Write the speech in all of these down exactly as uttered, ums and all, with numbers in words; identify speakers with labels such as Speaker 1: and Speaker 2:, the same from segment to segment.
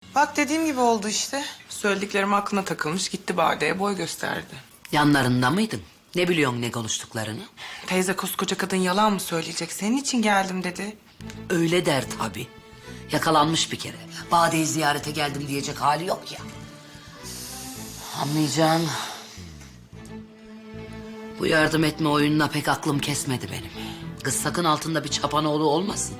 Speaker 1: Bak dediğim gibi oldu işte. Söylediklerim aklına takılmış, gitti Bade'ye boy gösterdi.
Speaker 2: Yanlarında mıydın? Ne biliyorsun ne konuştuklarını?
Speaker 1: Teyze koskoca kadın yalan mı söyleyecek? Senin için geldim dedi.
Speaker 2: Öyle der tabii. Yakalanmış bir kere. Bade'yi ziyarete geldim diyecek hali yok ya. Anlayacağın... Bu yardım etme oyununa pek aklım kesmedi benim. Kız sakın altında bir çapanoğlu olmasın.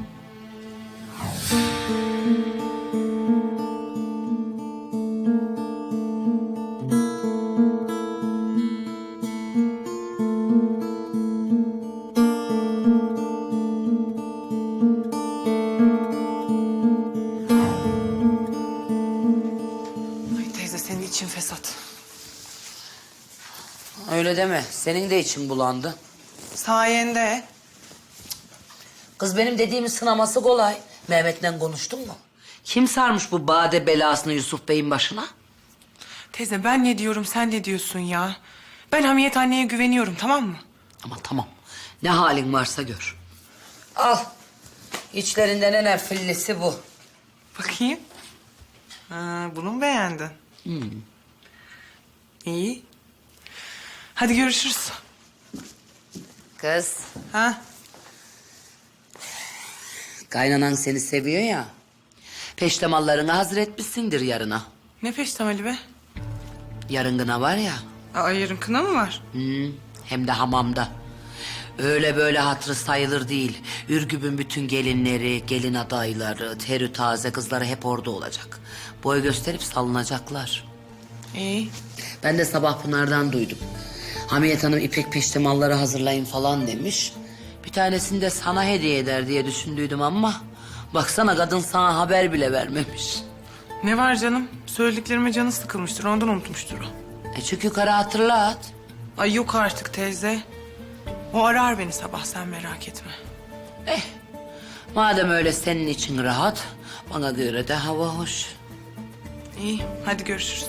Speaker 1: Ay teyze senin için fesat.
Speaker 2: Öyle deme. Senin de için bulandı.
Speaker 1: Sayende.
Speaker 2: Kız benim dediğimi sınaması kolay. Mehmet'le konuştun mu? Kim sarmış bu Bade belasını Yusuf Bey'in başına?
Speaker 1: Teyze ben ne diyorum sen ne diyorsun ya? Ben Hamiyet anneye güveniyorum tamam mı?
Speaker 2: Ama tamam. Ne halin varsa gör. Al. İçlerinden en efillisi bu.
Speaker 1: Bakayım. Ha, bunu mu beğendin?
Speaker 2: Hmm.
Speaker 1: İyi. Hadi görüşürüz.
Speaker 2: Kız.
Speaker 1: Ha?
Speaker 2: Kaynanan seni seviyor ya. Peştemallarını hazır etmişsindir yarına.
Speaker 1: Ne peştemali be?
Speaker 2: Yarın gına var ya.
Speaker 1: Aa, yarın kına mı var?
Speaker 2: Hmm, hem de hamamda. Öyle böyle hatırı sayılır değil. Ürgüp'ün bütün gelinleri, gelin adayları, terü taze kızları hep orada olacak. Boy gösterip salınacaklar.
Speaker 1: İyi.
Speaker 2: Ben de sabah Pınar'dan duydum. Hamiyet Hanım ipek peştemalları hazırlayın falan demiş. Bir tanesini de sana hediye eder diye düşündüydüm ama... Baksana kadın sana haber bile vermemiş.
Speaker 1: Ne var canım? Söylediklerime canı sıkılmıştır ondan unutmuştur o.
Speaker 2: E çık yukarı hatırlat.
Speaker 1: Ay yok artık teyze. O arar beni sabah sen merak etme.
Speaker 2: Eh, madem öyle senin için rahat, bana göre de hava hoş.
Speaker 1: İyi hadi görüşürüz.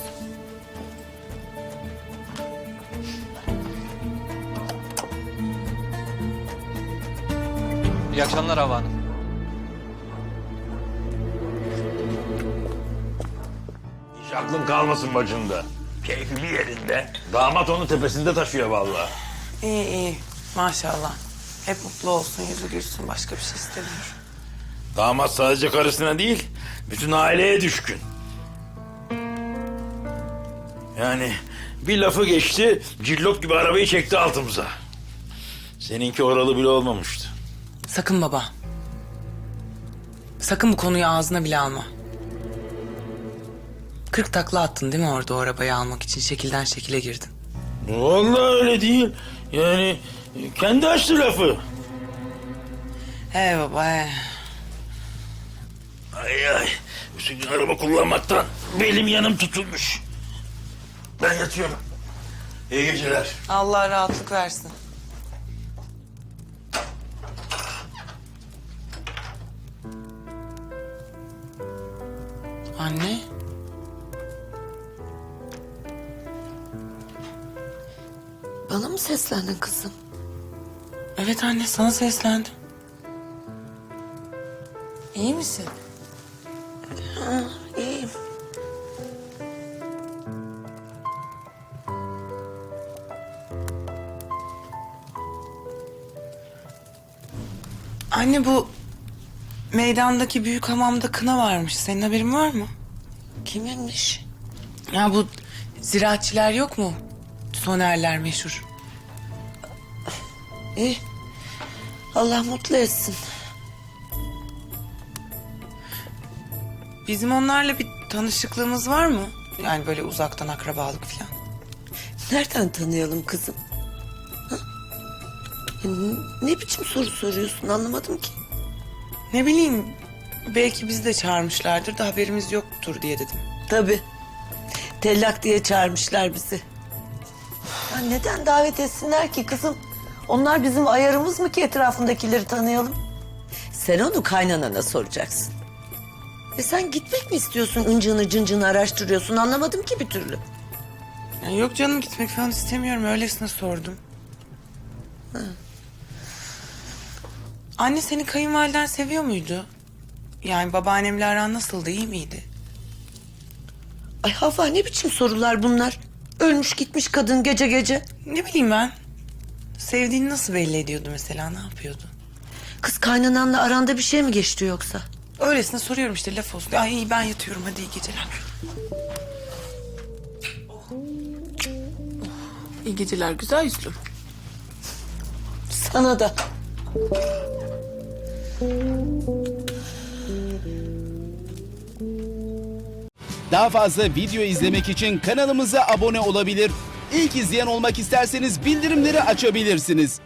Speaker 3: İyi akşamlar Havva Hanım.
Speaker 4: Hiç aklın kalmasın bacında. Keyfi bir yerinde. Damat onu tepesinde taşıyor vallahi.
Speaker 1: İyi iyi maşallah. Hep mutlu olsun yüzü gülsün başka bir şey istemiyorum.
Speaker 4: Damat sadece karısına değil, bütün aileye düşkün. Yani bir lafı geçti, cillop gibi arabayı çekti altımıza. Seninki oralı bile olmamıştı.
Speaker 1: Sakın baba. Sakın bu konuyu ağzına bile alma. Kırk takla attın değil mi orada o arabayı almak için? Şekilden şekile girdin.
Speaker 4: Vallahi öyle değil. Yani kendi açtı lafı.
Speaker 1: He baba he.
Speaker 4: Ay ay, bütün gün araba kullanmaktan belim yanım tutulmuş. Ben yatıyorum. İyi geceler.
Speaker 1: Allah rahatlık versin. Anne.
Speaker 2: Bana mı seslendin kızım?
Speaker 1: Evet anne sana seslendim. İyi misin?
Speaker 2: İyiyim.
Speaker 1: Anne bu meydandaki büyük hamamda kına varmış. Senin haberin var mı?
Speaker 2: Kiminmiş?
Speaker 1: Ya bu ziraatçiler yok mu? Sonerler meşhur.
Speaker 2: İyi. Allah mutlu etsin.
Speaker 1: Bizim onlarla bir tanışıklığımız var mı? Yani böyle uzaktan akrabalık falan.
Speaker 5: Nereden tanıyalım kızım? Ha? Ne biçim soru soruyorsun anlamadım ki.
Speaker 1: Ne bileyim belki bizi de çağırmışlardır da haberimiz yoktur diye dedim.
Speaker 5: Tabii. Tellak diye çağırmışlar bizi. Ya neden davet etsinler ki kızım? Onlar bizim ayarımız mı ki etrafındakileri tanıyalım? Sen onu kaynanana soracaksın. E sen gitmek mi istiyorsun? Incığını cıncığını araştırıyorsun. Anlamadım ki bir türlü.
Speaker 1: Ya yok canım gitmek falan istemiyorum. Öylesine sordum.
Speaker 5: Ha.
Speaker 1: Anne seni kayınvaliden seviyor muydu? Yani babaannemle aran nasıldı? İyi miydi?
Speaker 5: Ay Havva, ne biçim sorular bunlar? Ölmüş gitmiş kadın gece gece.
Speaker 1: Ne bileyim ben. Sevdiğini nasıl belli ediyordu mesela, ne yapıyordu?
Speaker 5: Kız, kaynananla aranda bir şey mi geçti yoksa?
Speaker 1: Öylesine soruyorum işte, laf olsun. Ay iyi, ben yatıyorum, hadi iyi geceler. İyi geceler güzel yüzlüm.
Speaker 5: Sana da.
Speaker 3: Daha fazla video izlemek için kanalımıza abone olabilir. İlk izleyen olmak isterseniz bildirimleri açabilirsiniz.